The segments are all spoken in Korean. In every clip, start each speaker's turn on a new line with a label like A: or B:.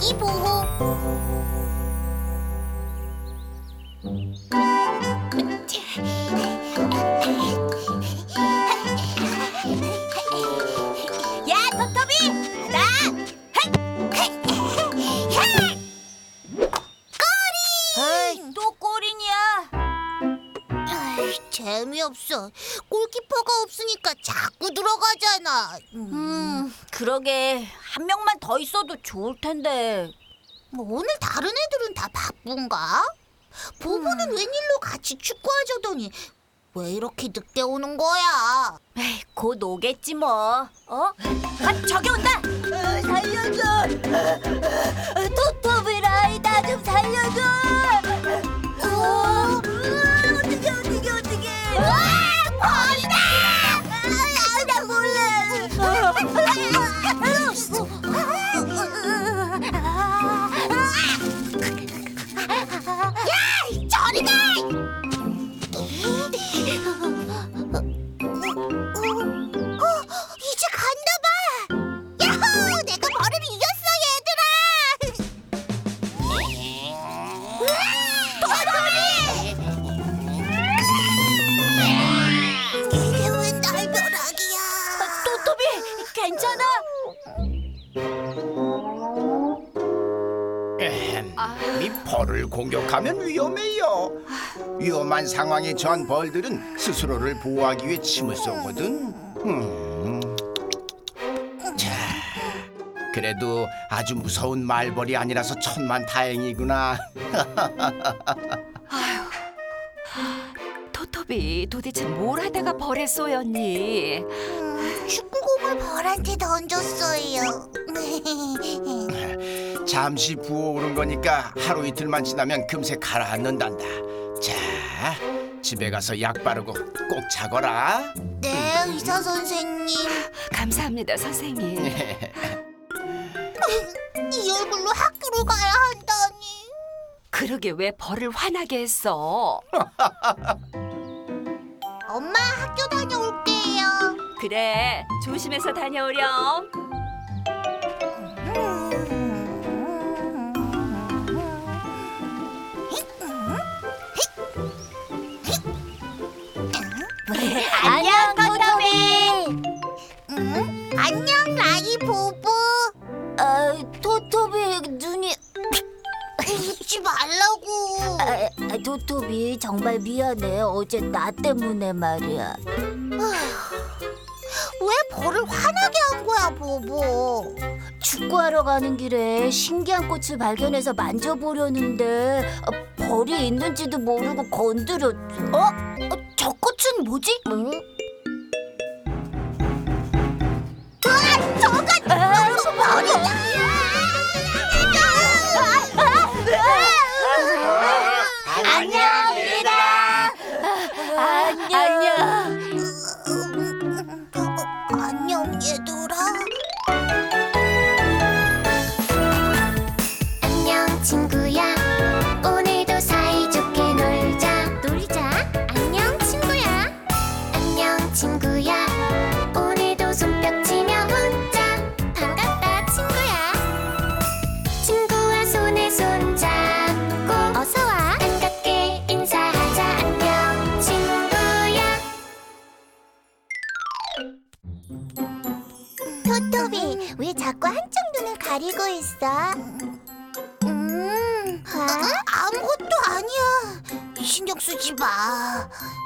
A: 아기 보호. 야, 토토비! 나! 꼬리! 또 꼬리냐? 재미없어. 골키퍼가 없으니까 자꾸 들어가잖아.
B: 그러게 한 명만 더 있어도 좋을 텐데.
A: 오늘 다른 애들은 다 바쁜가? 보보는 웬일로 같이 축구하자더니 왜 이렇게 늦게 오는 거야?
B: 에이, 곧 오겠지 뭐. 아, 저기 온다. 살려줘. 토토비라이 나 좀 살려줘. 어떡해.
A: 우와, 벌이다!
B: 나 몰래.
A: 야, 저리 가! 이제 간다 봐. 야호! 내가 벌을 이겼어, 얘들아. 이게 웬 날벼락이야?
B: 토토비 괜찮아?
C: 이 벌을 공격하면 위험해요. 위험한 상황에 처한 벌들은 스스로를 보호하기 위해 침을 쏘거든. 자, 그래도 아주 무서운 말벌이 아니라서 천만 다행이구나.
D: 토토비 도대체 뭘 하다가 벌에 쏘였니?
A: 축구공을 벌한테 던졌어요.
C: 잠시 부어오른 거니까 하루 이틀만 지나면 금세 가라앉는단다. 자, 집에 가서 약 바르고 꼭 자거라.
A: 네, 의사 선생님.
D: 감사합니다, 선생님.
A: 이 얼굴로 학교로 가야 한다니.
D: 그러게 왜 벌을 화나게 했어?
A: 엄마, 학교 다녀올게요.
D: 그래, 조심해서 다녀오렴.
B: 안녕 토토비.
A: 안녕, 라이 보보.
B: 토토비 눈이.
A: 잊지 말라고.
B: 토토비 정말 미안해. 어제 나 때문에 말이야.
A: 왜 벌을 화나게 한 거야, 보보?
B: 축구하러 가는 길에 신기한 꽃을 발견해서 만져보려는데 벌이 있는지도 모르고 건드렸지. 저 꽃은 뭐지?
A: 저건 벌이야.
B: 안녕, 얘들아. 안녕.
A: 안녕, 얘들아.
E: 안녕 친구야 오늘도 사이좋게 놀자 안녕 친구야 안녕 친구야 오늘도 손뼉치며 웃자 반갑다 친구야 친구와 손에 손잡고 어서와 반갑게 인사하자 안녕 친구야
A: 토토비, 왜 자꾸 한쪽 눈을 가리고 있어? 아무것도 아니야. 신경 쓰지 마.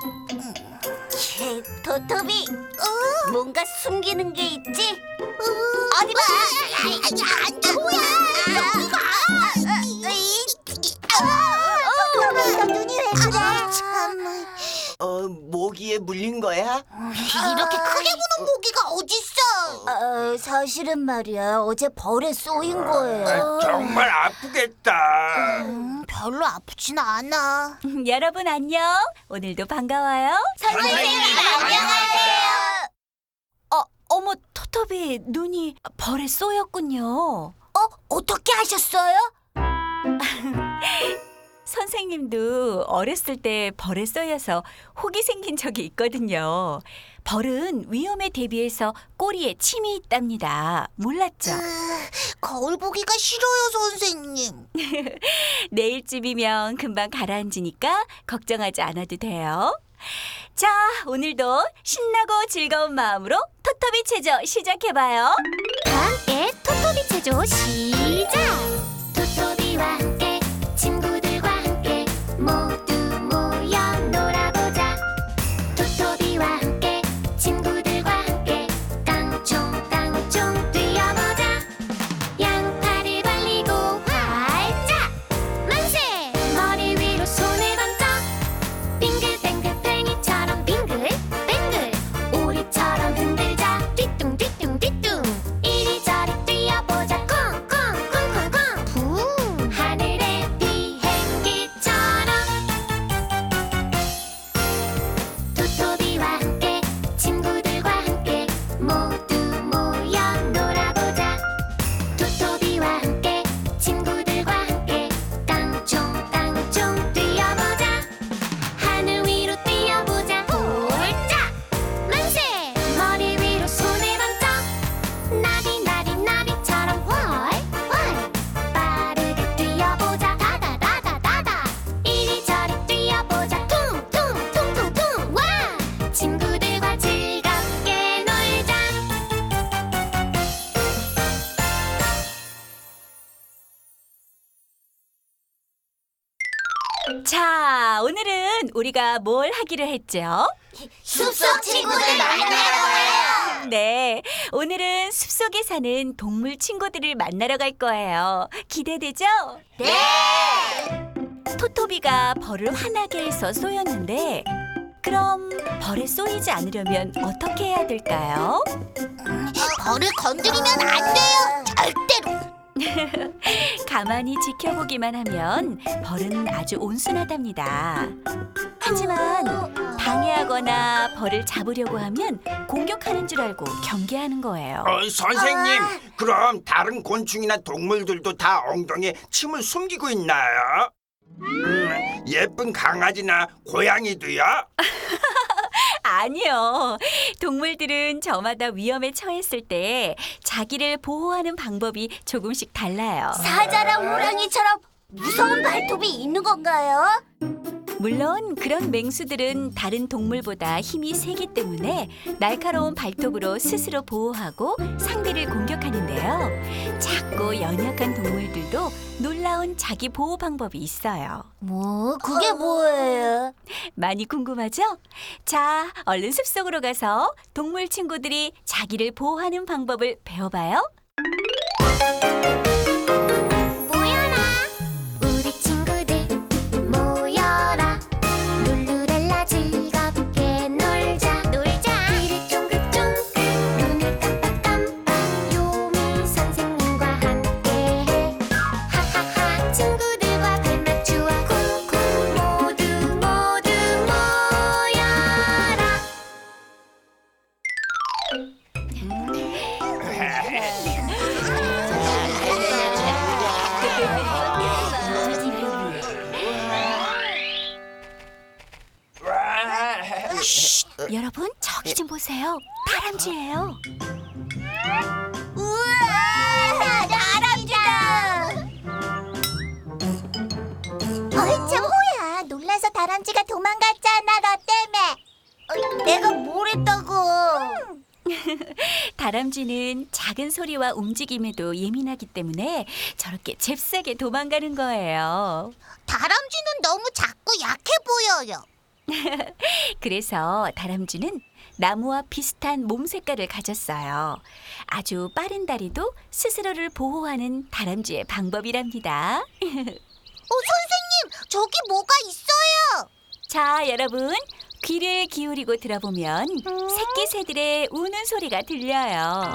B: 토토비, 뭔가 숨기는 게 있지?
A: 어디 봐. 안 돼. 뭐야? 토토비, 눈이 왜 그래? 참.
C: 모기에 물린 거야?
A: 이렇게 크게 부는 모기가 어딨어?
B: 사실은 말이야. 어제 벌에 쏘인 거예요.
F: 정말 아프겠다.
A: 별로 아프진 않아.
B: 여러분 안녕. 오늘도 반가워요.
A: 선생님, 안녕하세요.
B: 어머 토토비 눈이 벌에 쏘였군요.
A: 어떻게 하셨어요?
D: 선생님도 어렸을 때 벌에 쏘여서 혹이 생긴 적이 있거든요. 벌은 위험에 대비해서 꼬리에 침이 있답니다. 몰랐죠?
A: 거울 보기가 싫어요, 선생님.
D: 내일쯤이면 금방 가라앉으니까 걱정하지 않아도 돼요. 자, 오늘도 신나고 즐거운 마음으로 토토비 체조 시작해봐요.
E: 다 함께 토토비 체조 시작! 토토비와 함께 친구들과 함께 모두 모여 놀아보자. 토토비와 함께 친구들과 함께 깡총깡총 뛰어보자. 양팔을 벌리고 활짝 만세! 머리 위로 손을 번쩍 빙글빙글 팽이처럼 빙글빙글 오리처럼 흔들자 뒤뚱뒤뚱뒤뚱 이리저리 뛰어보자 콩콩콩콩콩 붕 하늘의 비행기처럼 토토비와 함께 친구들과 함께 모두 모여 놀아보자. 토토비와 함께 친구들과 함께 깡총깡총 뛰어보자. 하늘 위로 뛰어보자 홀짝 만세! 머리 위로 손을 번쩍 나비나비나비처럼 훨훨 빠르게 뛰어보자 다다다다다다 이리저리 뛰어보자 퉁퉁퉁퉁퉁 와! 친구들과 즐겁게 놀자.
D: 자, 오늘은 우리가 뭘 하기로 했죠?
A: 숲속 친구들 만나러 가요.
D: 네, 오늘은 숲속에 사는 동물 친구들을 만나러 갈 거예요. 기대되죠?
A: 네.
D: 토토비가 벌을 화나게 해서 쏘였는데 그럼 벌에 쏘이지 않으려면 어떻게 해야 될까요?
A: 벌을 건드리면 안 돼요. 절대로.
D: 가만히 지켜보기만 하면 벌은 아주 온순하답니다. 하지만 방해하거나 벌을 잡으려고 하면 공격하는 줄 알고 경계하는 거예요.
F: 선생님, 그럼 다른 곤충이나 동물들도 다 엉덩이에 침을 숨기고 있나요? 예쁜 강아지나 고양이도요?
D: 아니요. 동물들은 저마다 위험에 처했을 때 자기를 보호하는 방법이 조금씩 달라요.
B: 사자랑 호랑이처럼 무서운 발톱이 있는 건가요?
D: 물론 그런 맹수들은 다른 동물보다 힘이 세기 때문에 날카로운 발톱으로 스스로 보호하고 상대를 공격하는데요. 작고 연약한 동물들도 놀라운 자기 보호 방법이 있어요.
B: 뭐, 그게 뭐예요?
D: 많이 궁금하죠? 자, 얼른 숲속으로 가서 동물 친구들이 자기를 보호하는 방법을 배워봐요.
E: 모여라 우리 친구들 모여라 룰루랄라 즐겁게 놀자 귀를 쫑긋쫑긋 눈을 깜빡깜빡 요미 선생님과 함께해 하하하 친구들과 발 맞추어 쿵쿵 모두 모여라.
D: 여러분, 저기 좀 보세요. 다람쥐예요.
E: 우와 다람쥐다. 어이참 호야 놀라서 다람쥐가 도망갔잖아 너 때문에.
A: 내가 뭘 했다고?
D: 다람쥐는 작은 소리와 움직임에도 예민하기 때문에 저렇게 잽싸게 도망가는 거예요.
A: 다람쥐는 너무 작고 약해 보여요.
D: 그래서 다람쥐는 나무와 비슷한 몸 색깔을 가졌어요. 아주 빠른 다리도 스스로를 보호하는 다람쥐의 방법이랍니다.
A: 선생님, 저기 뭐가 있어요.
D: 자, 여러분, 귀를 기울이고 들어보면 새끼 새들의 우는 소리가 들려요.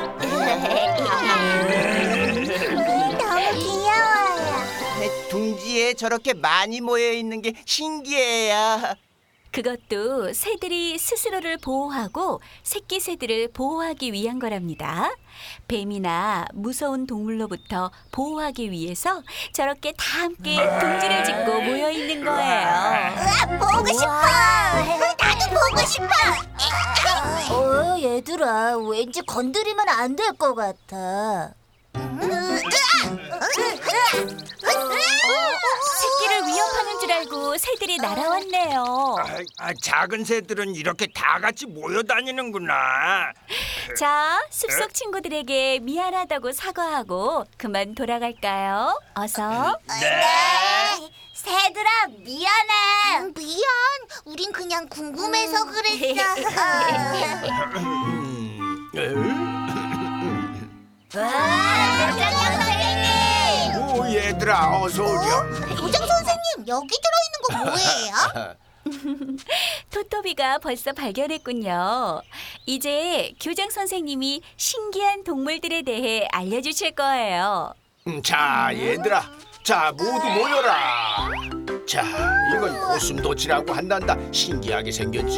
E: 너무 귀여워요.
C: 둥지에 저렇게 많이 모여 있는 게 신기해요.
D: 그것도 새들이 스스로를 보호하고 새끼 새들을 보호하기 위한 거랍니다. 뱀이나 무서운 동물로부터 보호하기 위해서 저렇게 다 함께 둥지를 짓고 모여 있는 거예요.
E: 보고 싶어. 나도 보고 싶어.
B: 얘들아, 왠지 건드리면 안 될 것 같아.
D: 새끼를 위협하는 줄 알고 새들이 날아왔네요.
F: 작은 새들은 이렇게 다 같이 모여 다니는구나.
D: 자, 숲속 친구들에게 미안하다고 사과하고 그만 돌아갈까요? 어서.
F: 네.
B: 새들아, 미안해.
A: 미안. 우린 그냥 궁금해서 그랬어.
E: 교장 선생님.
C: 오 얘들아 어서 오렴.
A: 교장 선생님, 여기 들어있는 거 뭐예요?
D: 토토비가 벌써 발견했군요. 이제 교장 선생님이 신기한 동물들에 대해 알려주실 거예요.
C: 자 얘들아, 자 모두 모여라. 자 이건 고슴도치라고 한단다. 신기하게 생겼지.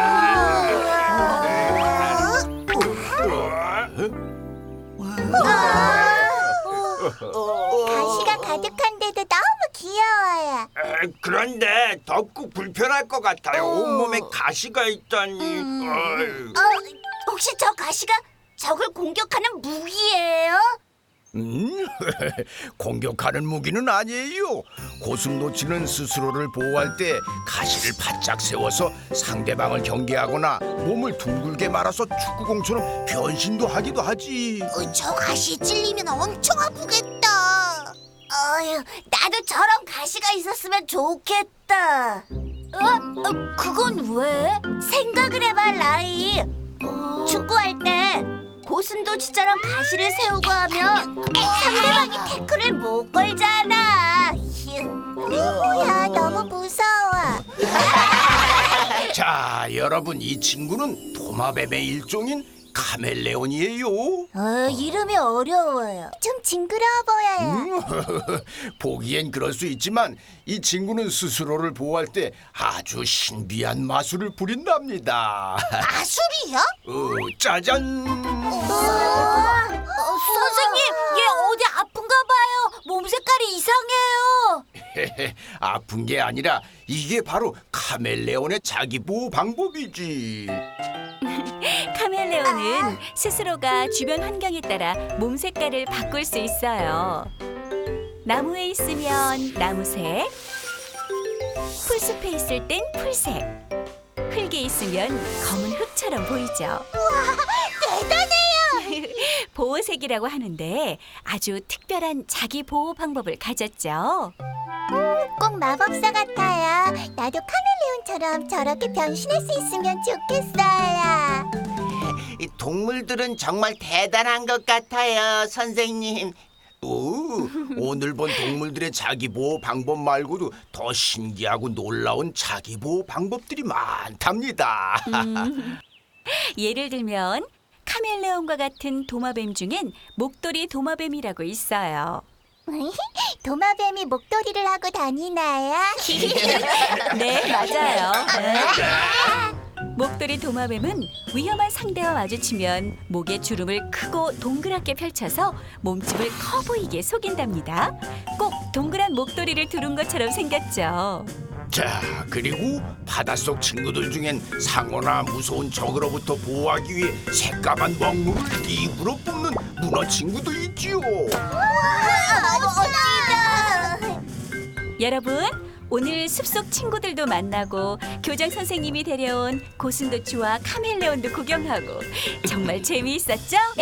E: 가시가 가득한데도 너무 귀여워요.
F: 그런데 덥고 불편할 것 같아요. 온몸에 가시가 있다니. 어이.
B: 혹시 저 가시가 적을 공격하는 무기예요?
C: 공격하는 무기는 아니에요. 고슴도치는 스스로를 보호할 때 가시를 바짝 세워서 상대방을 경계하거나 몸을 둥글게 말아서 축구공처럼 변신도 하기도 하지.
A: 저 가시에 찔리면 엄청 아프겠다.
B: 나도 저런 가시가 있었으면 좋겠다. 그건 왜? 생각을 해봐, 라이. 축구할 때 고슴도치처럼 가시를 세우고 하면 상대방이 태클을 못 걸잖아.
E: 뭐야, 너무 무서워.
C: 자 여러분, 이 친구는 도마뱀의 일종인 카멜레온이에요.
B: 이름이 어려워요.
E: 좀 징그러워 보여요.
C: 보기엔 그럴 수 있지만 이 친구는 스스로를 보호할 때 아주 신비한 마술을 부린답니다.
A: 마술이요?
C: 짜잔.
B: 선생님, 얘 어디 아픈가 봐요. 몸 색깔이 이상해요.
C: 아픈 게 아니라 이게 바로 카멜레온의 자기 보호 방법이지.
D: 카멜레온은 스스로가 주변 환경에 따라 몸 색깔을 바꿀 수 있어요. 나무에 있으면 나무색, 풀숲에 있을 땐 풀색, 흙에 있으면 검은 흙처럼 보이죠. 대단해요! 보호색이라고 하는데 아주 특별한 자기 보호 방법을 가졌죠.
E: 꼭 마법사 같아요. 나도 카멜레온처럼 저렇게 변신할 수 있으면 좋겠어요.
G: 이 동물들은 정말 대단한 것 같아요, 선생님.
C: 오늘 본 동물들의 자기 보호 방법 말고도 더 신기하고 놀라운 자기 보호 방법들이 많답니다.
D: 예를 들면 카멜레온과 같은 도마뱀 중엔 목도리 도마뱀이라고 있어요.
E: 도마뱀이 목도리를 하고 다니나요?
D: 네, 맞아요. 목도리 도마뱀은 위험한 상대와 마주치면 목에 주름을 크고 동그랗게 펼쳐서 몸집을 커 보이게 속인답니다. 꼭 동그란 목도리를 두른 것처럼 생겼죠.
C: 자, 그리고 바닷속 친구들 중엔 상어나 무서운 적으로부터 보호하기 위해 새까만 먹물을 입으로 뿜는 문어 친구도 있지요.
D: 여러분, 오늘 숲속 친구들도 만나고 교장 선생님이 데려온 고슴도치와 카멜레온도 구경하고 정말 재미있었죠? 네!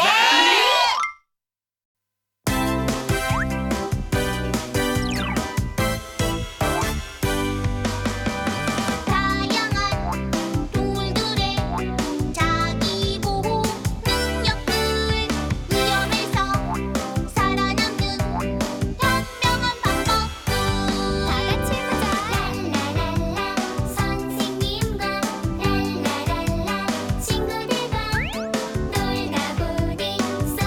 E: 다양한 동물들의 자기 보호 능력들, 위험에서 살아남는 현명한 방법들. 다 같이 보자. 랄라랄라 선생님과 랄라랄라 친구들과 놀다 보니 쏙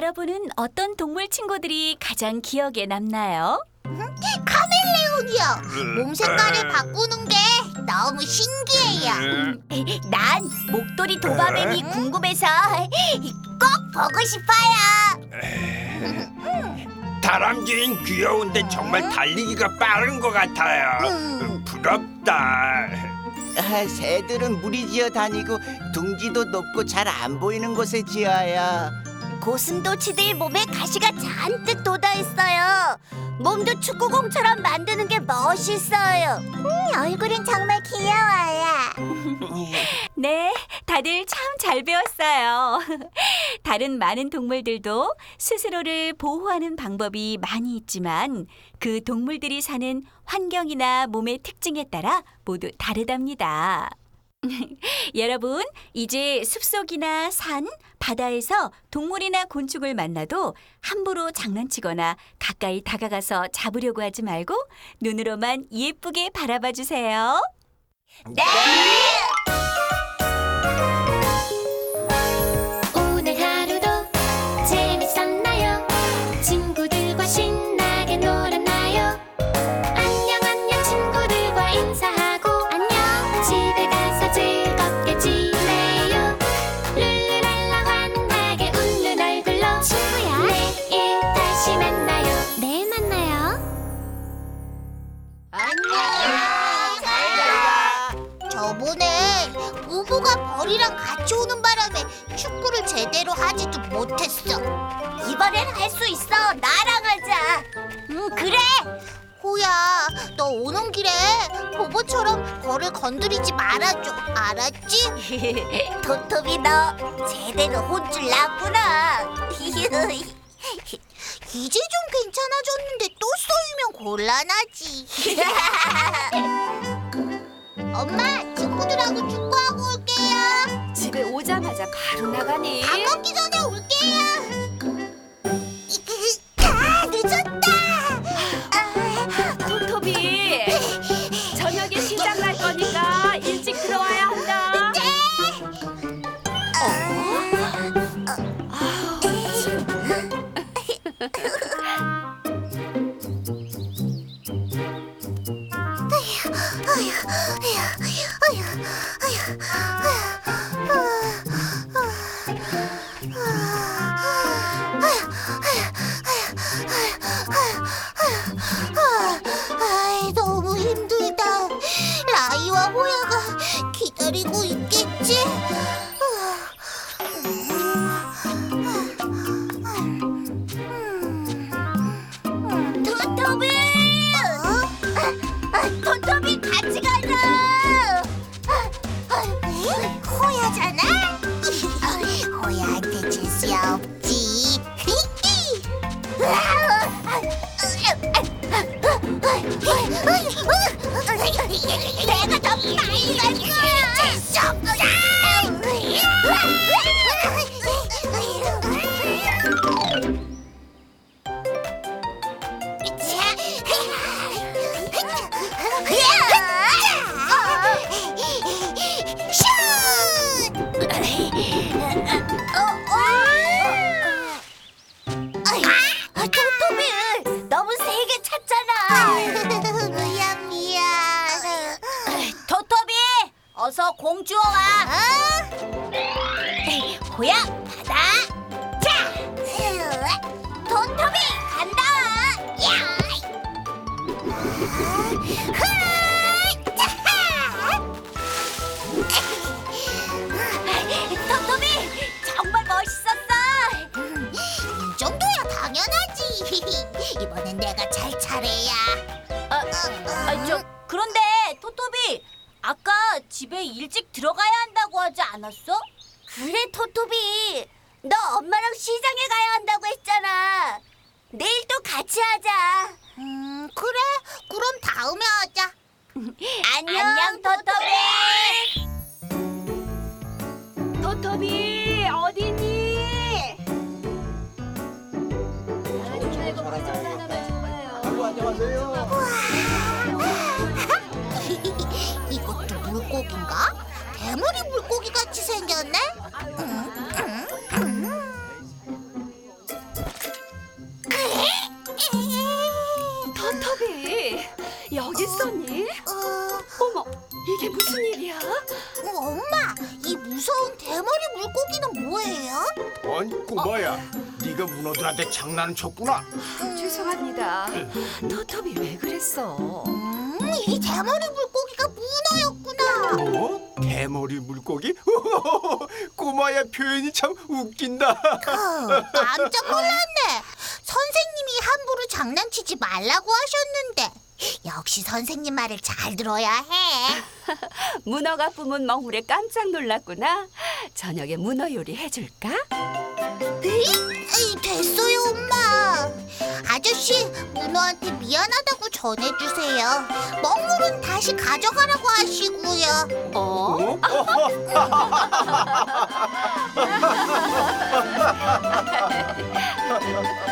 D: 여러분은 어떤 동물 친구들이 가장 기억에 남나요?
A: 카멜레온이요. 몸 색깔을 바꾸는 게 너무 신기해요.
B: 난 목도리 도마뱀이 궁금해서 꼭 보고 싶어요.
F: 다람쥐는 귀여운데 정말 달리기가 빠른 것 같아요. 부럽다.
G: 새들은 물이 지어 다니고 둥지도 높고 잘 안 보이는 곳에 지어요.
B: 고슴도치들 몸에 가시가 잔뜩 돋아있어요. 몸도 축구공처럼 만드는 게 멋있어요.
E: 얼굴은 정말 귀여워요.
D: 네, 다들 참 잘 배웠어요. 다른 많은 동물들도 스스로를 보호하는 방법이 많이 있지만 그 동물들이 사는 환경이나 몸의 특징에 따라 모두 다르답니다. 여러분, 이제 숲속이나 산, 바다에서 동물이나 곤충을 만나도 함부로 장난치거나 가까이 다가가서 잡으려고 하지 말고 눈으로만 예쁘게 바라봐 주세요.
B: 네!
E: 오늘 하루도 재밌었나요? 친구들과 신나게 놀았나요? 안녕 안녕 친구들과 인사하고 안녕 집에 가서 즐겁게 지내요. 룰루랄라 환하게 웃는 얼굴로 친구야 내일 다시 만나요. 내일 만나요.
A: 저번에 우부가 벌이랑 같이 오는 바람에 축구를 제대로 하지도 못했어.
B: 이번엔 할 수 있어. 나랑 하자. 그래.
A: 호야, 너 오는 길에 보보처럼 벌을 건드리지 말아줘. 알았지?
B: 토토비 너 제대로 혼줄 났구나.
A: 이제 좀 괜찮아졌는데 또 쏘이면 곤란하지. 엄마, 친구들하고 축구하고 올게요.
D: 집에 오자마자 바로 나가니?
A: 밥 먹기 전에 올게요. 늦었다.
D: 토토비, 저녁에 시장 갈 거니까 일찍 들어와야 한다.
A: 너무 힘들다. 라이와 호야가 기다리고 있겠지?
B: 토토비! 토토비 같이 가자.
A: 호야잖아? 호야한테 질 수 없지.
B: 내가 더 빨리 갈 거야.
A: 질수 없어.
B: 토토비 너무 세게 찼잖아.
A: 미안.
B: 토토비 어서 공 주워와. 호야 받아. 자, 토토비 간다. 야. 토토비 정말 멋있었어.
A: 이 정도야 당연하지. 이번엔 내가 잘 차례야.
B: 그런데 토토비 아까 집에 일찍 들어가야 한다고 하지 않았어? 그래 토토비 너 엄마랑 시장에 가야 한다고 했잖아. 내일 또 같이 하자.
A: 그래. 그럼 다음에 하자.
B: 안녕 토토비.
D: 토토비, 어디니?
A: 이것도 물고기인가? 대머리 물고기 같이 생겼네.
D: 토토비, 여기 있었니? 어머, 이게 무슨 일이야?
A: 엄마, 이 무서운 대머리 물고기는 뭐예요?
C: 아니 꼬마야, 네가 문어들한테 장난을 쳤구나.
D: 죄송합니다. 토토비 왜 그랬어?
A: 이 대머리 물고기가 문어였구나.
C: 뭐? 대머리 물고기? 꼬마야 표현이 참 웃긴다.
A: 깜짝 놀랐네. 선생님이 함부로 장난치지 말라고 하셨는데 역시 선생님 말을 잘 들어야 해.
D: 문어가 뿜은 먹물에 깜짝 놀랐구나. 저녁에 문어 요리 해줄까?
A: 에이, 됐어요, 엄마. 아저씨, 문어한테 미안하다고 전해주세요. 먹물은 다시 가져가라고 하시고요.
C: 어?